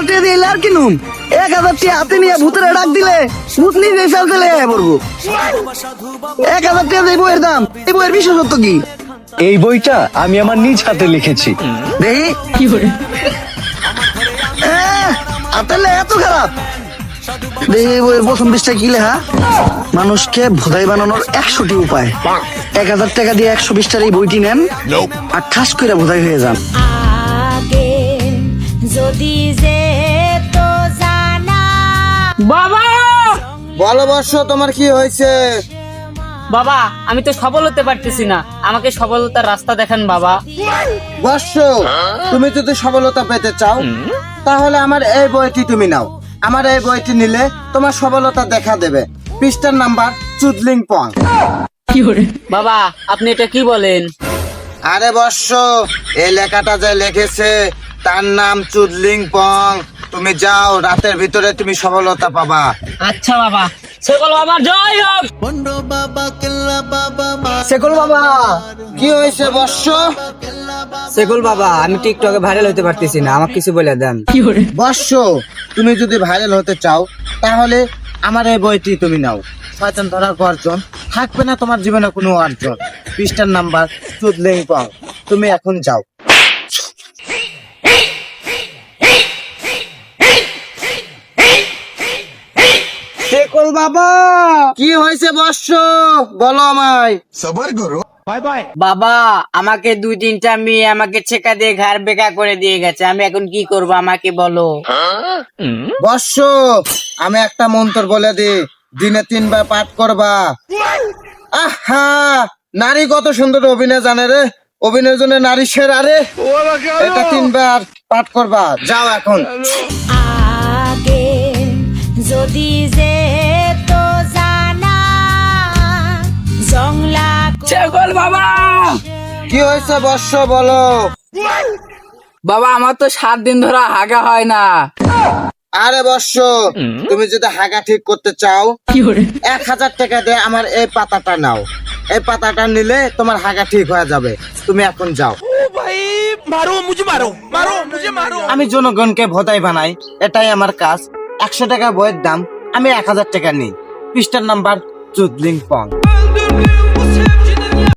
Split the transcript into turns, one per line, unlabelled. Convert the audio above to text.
টাকা দিলে আর কিনুম 1,000 টাকা হাতে নিয়ে ভূতের ডাক দিলে ভূত নিজে ফেলতে লেগে পড়বো। 1,000 টাকা এই বইয়ের দাম, এই বইয়ের বিশেষত্ব কি?
এই বইটা আমি আমার নিজ হাতে লিখেছি।
দেখি কি করে আতালে এত খারাপ। দেখি এই বইয়ের প্রথম পৃষ্ঠায় কি লেখা, মানুষকে ভোদাই বানানোর 100টি উপায়। 1,000 টাকা দিয়ে 120টার এই বইটি নেন আর ঠাস করে ভোদাই হয়ে যান।
আগে যদি যে তো জানা।
বাবা
বলো বর্ষ, তোমার কি হয়েছে?
বাবা আমি তো সফল হতে পারতেছি না, আমাকে সফলতার রাস্তা দেখান বাবা।
বর্ষ, তুমি যদি সফলতা পেতে চাও তাহলে আমার এই বইটি তুমি নাও। আমার এই বইটি নিলে তোমার সফলতা দেখা দেবে। পৃষ্ঠার নাম্বার চুদলিং পং।
বাবা আপনি এটা কি বলেন?
আরে বর্ষ, এই লেখাটা যে লিখেছে তার নাম চুদলিং পং। তুমি যাও, রাতের ভিতরে তুমি সফলতা পাবা।
আচ্ছা বাবা। সকল বাবা জয় হোক।
সেকুল বাবা, কি হয়েছে বর্ষ?
সেকুল বাবা, আমি টিকটকে ভাইরাল হতে পারতেছি না, আমাকে কিছু বলে দেন।
বর্ষ, তুমি যদি ভাইরাল হতে চাও তাহলে আমার এই বইটি তুমি নাও। শয়তান ধরার গর্জন, থাকবে না তোমার জীবনে কোনো অর্জন। পৃষ্ঠার নাম্বার চুদলিং পং। তুমি এখন যাও। সেকুল বাবা, কি হয়েছে বর্ষ? বলো আমায়।
বাবা আমাকে 2-3টা মেয়ে আমাকে ছেকা দিয়ে ঘর বেকা করে দিয়ে গেছে, আমি এখন কি করব আমাকে বলো।
বর্ষ, আমি একটা মন্ত্র বলে দিই, দিনে 3 বার পাঠ করবা। আহা, নারী কত সুন্দর অভিনয় জানে রে, অভিনয়ের জন্য নারী সেরা রে। এটা 3 বার পাঠ করবা, যাও এখন।
আগে যদি যে তো জানা জংলা
সকল বাবা।
কি হয়েছে বর্ষ, বলো।
বাবা আমার তো 7 দিন ধরে হাগা হয় না।
আরে বর্ষ, তুমি যদি হাগা ঠিক করতে চাও 1,000 টাকা দিয়ে আমার এই পাতাটা নাও। এই পাতাটা নিলে তোমার হাগা ঠিক হয়ে যাবে। তুমি এখন যাও। আমি জনগণকে ভোদাই বানাই, এটাই আমার কাজ। 100 টাকা বইয়ের দাম, আমি 1,000 টাকা নিই। পৃষ্ঠার নাম্বার চুদলিং পং।